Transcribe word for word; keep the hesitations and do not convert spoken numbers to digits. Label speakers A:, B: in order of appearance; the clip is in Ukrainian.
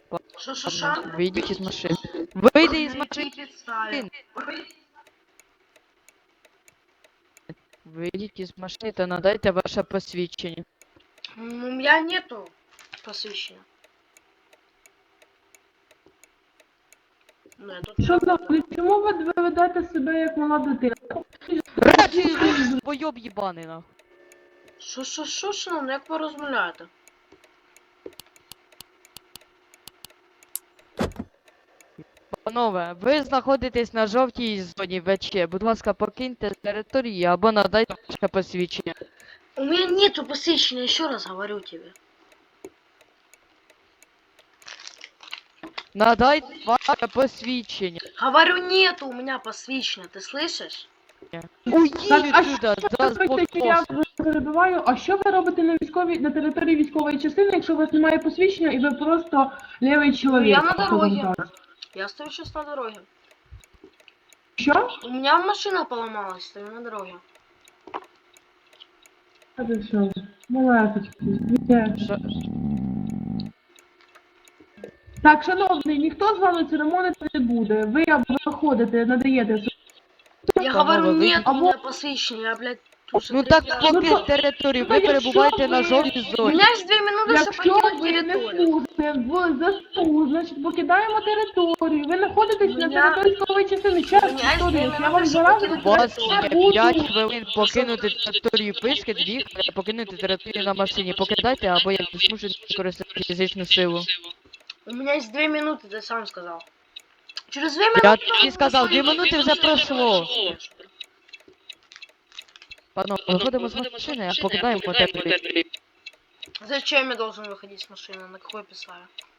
A: Шо-шо-шо?
B: Выйдите из машины. Выйди из
A: На
B: машины.
A: якій підставі?
B: Выйдите из машины, то надайте ваше посвящение.
A: М, У меня нету посвящения. Ну, я тут
C: Шановні, чому ви ви ведете себе як мала дитина?
B: Речі, бойоб єбаний, нахуй.
A: Шо-шо-шо, шановний, як ви розмовляєте?
B: Панове, ви знаходитесь на жовтій зоні ВЧ. Будь ласка, покиньте територію або надайте ваше посвідчення.
A: У меня нету посвящения, еще раз говорю тебе.
B: Надайте ваше посвідчення.
A: Говорю, нету у меня посвящения, ты слышишь?
B: Уйдіть
C: Так, а
B: сюди,
C: що
B: за
C: ви робите, що я перебиваю? А що ви робите на військовій на території військової частини, якщо у вас немає посвідчення і ви просто лівий чоловік?
A: я на
C: скажімо
A: дороге.
C: так?
A: Я стою сейчас на дороге.
C: Що?
A: У меня машина поломалась, стою на дороге.
C: А ти що? Малесечки. Є.
B: Ша-
C: Так, шановний, ніхто з вами церемонити не буде. Ви або виходите, надаєте.
A: Я
B: Панове,
A: говорю,
B: вы-
A: нет у
C: Або-
A: меня посвящения, я, блядь, уже
B: Ну
A: третий
B: так
A: раз.
C: Ну,
B: покинь
C: то-
B: територію,
C: ну,
B: ви
C: то
B: перебуваєте
C: якщо
B: на
C: ви-
B: жовтій
A: У
B: зоні.
A: меня есть две минуты, чтобы
C: Якщо
A: покинуть
C: ви не
A: территорию.
C: служите в ЗСУ, значить покидаємо територію. Ви знаходитесь на
A: Мене-
C: території військової частини. Ще раз
A: Мене є
C: повторюю,
A: дві
C: я
A: минути,
C: вам
A: щоб
C: зараз
A: покинути
B: У вас
A: територію.
B: є
C: буду.
B: п'ять хвилин покинути територію писки, дві хвилини покинути територію на машині. Покидайте або як змушені використати фізичну силу.
A: У меня есть две минуты, ты сам сказал. Через две минуты...
B: Я тобі сказав, дві минути вже пройшло. Панове, виходимо з машини, а покидаємо територію.
A: Зачем я должен выходить с машины? На какой писали?